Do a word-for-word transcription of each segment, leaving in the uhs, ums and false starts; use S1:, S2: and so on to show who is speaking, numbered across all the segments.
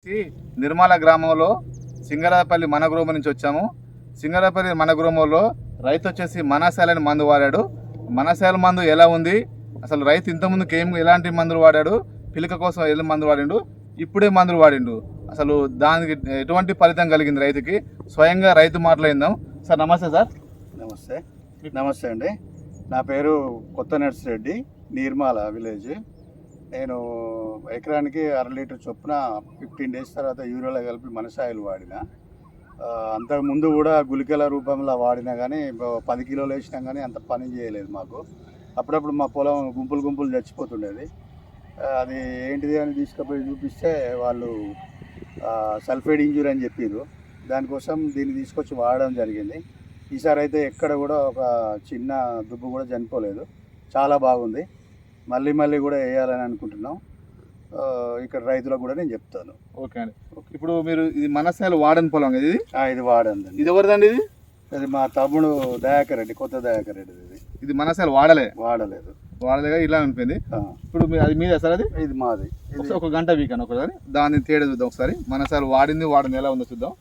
S1: నిర్మల గ్రామంలో సింగరాపల్లి మన గ్రామం నుంచి వచ్చాము. సింగరాపల్లి మన గ్రామంలో రైతు వచ్చేసి మనశాలని మందు వాడాడు. మనశాల మందు ఎలా ఉంది, అసలు రైతు ఇంతకుముందుకు ఏం ఎలాంటి మందులు వాడాడు, పిలక కోసం ఎలా మందులు వాడిండు, ఇప్పుడే మందులు వాడిండు, అసలు దానికి ఎటువంటి ఫలితం కలిగింది రైతుకి, స్వయంగా రైతు మాట్లాడిందాం. సార్ నమస్తే. సార్
S2: నమస్తే. నమస్తే అండి. నా పేరు కొత్త నర్సిరెడ్డి, నిర్మల విలేజ్. నేను ఎకరానికి అర లీటర్ చొప్పున ఫిఫ్టీన్ డేస్ తర్వాత యూరియాలో కలిపి మనసాయిలు వాడిన. అంతకుముందు కూడా గుళికల రూపంలో వాడినా కానీ పది కిలోలు వేసినా కానీ అంత పని చేయలేదు మాకు. అప్పుడప్పుడు మా పొలం గుంపులు గుంపులు చచ్చిపోతుండేది. అది ఏంటిది అని తీసుకుపోయి చూపిస్తే వాళ్ళు సల్ఫేట్ ఇంజూరీ అని చెప్పారు. దానికోసం దీన్ని తీసుకొచ్చి వాడడం జరిగింది. ఈసారి అయితే ఎక్కడ కూడా ఒక చిన్న దుబ్బు కూడా చనిపోలేదు. చాలా బాగుంది. మళ్ళీ మళ్ళీ కూడా వేయాలని అనుకుంటున్నాం. ఇక్కడ రైతులకు కూడా నేను చెప్తాను.
S1: ఓకే అండి. ఇప్పుడు మీరు ఇది మనసాలు వాడని పొలం ఇది
S2: ఇది వాడండి.
S1: ఇది ఎవరిదండి? ఇది
S2: ఇది మా తమ్ముడు దయాకర్ రెడ్డి, కొత్త దయాకర్ రెడ్డి. ఇది
S1: ఇది మనసాలు వాడలే
S2: వాడలేదు
S1: వాడలేగా ఇలా అనిపోయింది. ఇప్పుడు అది మీదే సార్? అది
S2: ఇది మాది.
S1: ఒక గంట వీకాను ఒకసారి దాన్ని తేడా చూద్దాం. ఒకసారి మనసాలు వాడింది వాడింది ఎలా ఉందో చూద్దాం.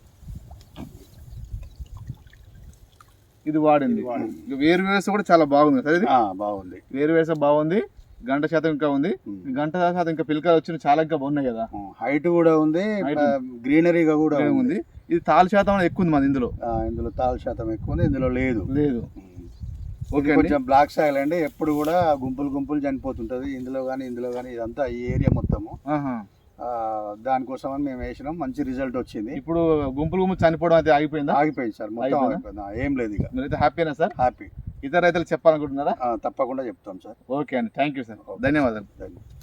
S1: ఇది వాడింది. వేరు వేస కూడా చాలా బాగుంది సార్. ఇది
S2: బాగుంది.
S1: వేరు వేస బాగుంది. గంట శాతం ఇంకా ఉంది. గంట శాతం ఇంకా పిలకలు వచ్చిన చాలా ఇంకా బాగున్నాయి కదా.
S2: హైట్ కూడా ఉంది, గ్రీనరీగా కూడా
S1: ఉంది. ఇది తాలు శాతం ఎక్కువ ఉంది. మాది ఇందులో
S2: ఇందులో తాలు శాతం ఎక్కువ ఉంది, ఇందులో లేదు
S1: లేదు
S2: ఓకే. కొంచెం బ్లాక్ సాయిల్ అండి, ఎప్పుడు కూడా గుంపులు గుంపులు చనిపోతుంటది ఇందులో కానీ ఇందులో కానీ. ఇదంతా ఈ ఏరియా మొత్తము. దానికోసం అని మేము వేసినాం. మంచి రిజల్ట్ వచ్చింది.
S1: ఇప్పుడు గుంపులు గుంపులు చనిపోవడం అయితే ఆగిపోయిందా?
S2: ఆగిపోయింది సార్, మొత్తం ఆగిపోయింది. ఏం లేదు. ఇక
S1: మీరైతే హ్యాపీనా సార్?
S2: హ్యాపీ.
S1: ఇతర రైతులకు చెప్పాలనుకుంటున్నారా?
S2: తప్పకుండా చెప్తాం సార్.
S1: ఓకే అండి, థ్యాంక్ యూ సార్, ధన్యవాదాలు.
S2: Thank you.